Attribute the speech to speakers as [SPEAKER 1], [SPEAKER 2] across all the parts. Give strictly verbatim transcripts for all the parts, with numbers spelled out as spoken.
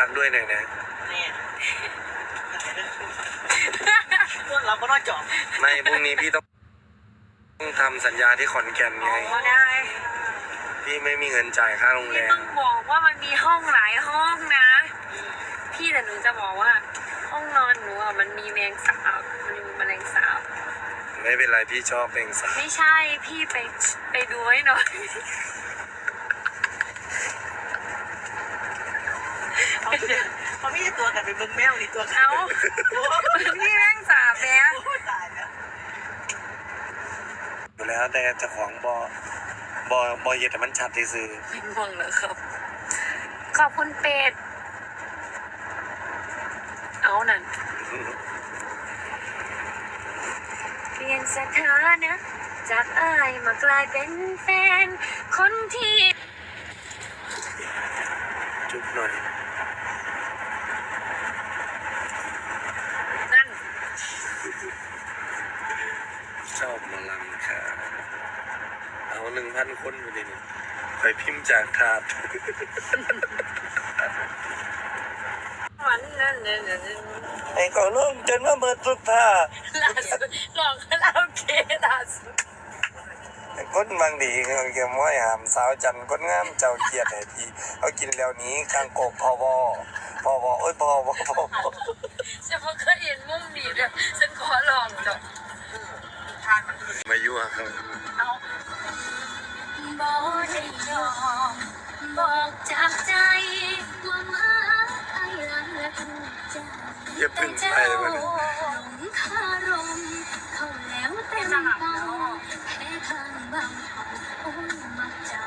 [SPEAKER 1] ากด้วยหน่อยนะ
[SPEAKER 2] นี่ต้นเราก็นอนจอบ
[SPEAKER 1] ไม่พรุ่งนี้พี่ต้องต้องทำสัญญาที่ขอนแก่นไง
[SPEAKER 3] ได้
[SPEAKER 1] พี่ไม่มีเงินจ่ายค่าโรงแรม
[SPEAKER 3] ต้องบอกว่ามันมีห้องหลายห้องนะพี่แต่หนูจะบอกว่าห้องนอนหนูอ่ะมันมีแมงสาบมันมีแมลงสาบ
[SPEAKER 1] ไม่เป็นไรพี่ชอบแมงสาบ
[SPEAKER 3] ไม่ใช่พี่ไปไปดูให้หน่อย
[SPEAKER 2] เขาไม่ใช่ตัวกันเป็นเบิ้งแมวนี่ตัว
[SPEAKER 3] เขาพี่แมงสาบแล้ว
[SPEAKER 1] อยู่แล้วแต่เจ้าของบอบอบอเย็ดแต่มันชัดที่ซื้อ
[SPEAKER 3] ง่วงแล้วครับขอบคุณเป็ดเอานั่นเปลี่ยนสถานะจากอ้ายมากลายเป็นแฟนคนที่
[SPEAKER 1] จุ๊บหน่อย
[SPEAKER 3] นั่น
[SPEAKER 1] ชอบมาลังค่ะเอาหนึ่งพันคนอยู่ดิไปพิมพ์จากถาด
[SPEAKER 3] วันนั้น
[SPEAKER 1] ไอ้ก็ล่มจนว่าเบิดสุดท่า
[SPEAKER 3] ล่าสุดลองคาราโอเกะล่าสุด
[SPEAKER 1] คนบางดีเขาเกี่ยวม้อยหามสาวจันคนงามเจ้าเกียรติให้พี่เขากินแล้วนี้กลางโกกพอวอพอวอโอ้ยพอวอพอวอ
[SPEAKER 3] ฉันเพิ่งเคยเห็นมุมนี้เลยฉันขอลองจ้ะ
[SPEAKER 1] มายั่วครับ
[SPEAKER 3] เอาบอกได้ยอมบอกจากใจว่ามาไอ้ลังและทุกใจ
[SPEAKER 1] อย่าพึ่งไปมัน
[SPEAKER 3] คารมเขาแล้วเต็มเป้าแพ้ทางบางเขาโอ้มักเจ้า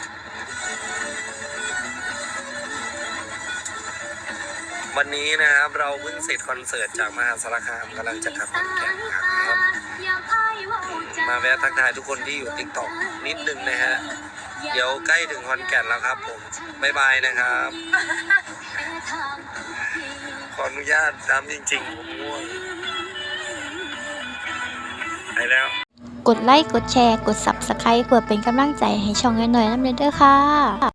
[SPEAKER 1] วันนี้นะครับเราเพิ่งเสร็จคอนเสิร์ตจากมหาสารคามกำลังจะกลับขอนแก่นครับมาแวะทักทายทุกคนที่อยู่ ติ๊กต็อก นิดนึงนะฮะเดี๋ยวใกล้ถึงขอนแก่นแล้วครับผมบ๊ายบายนะครับขออนุญาตตามจริงๆผมง่วงไปแล้ว
[SPEAKER 4] กดไลค์กดแชร์กด ซับสไครบ์ เพื่อเป็นกำลังใจให้ช่องน้อยๆน้ำเด้อค่ะ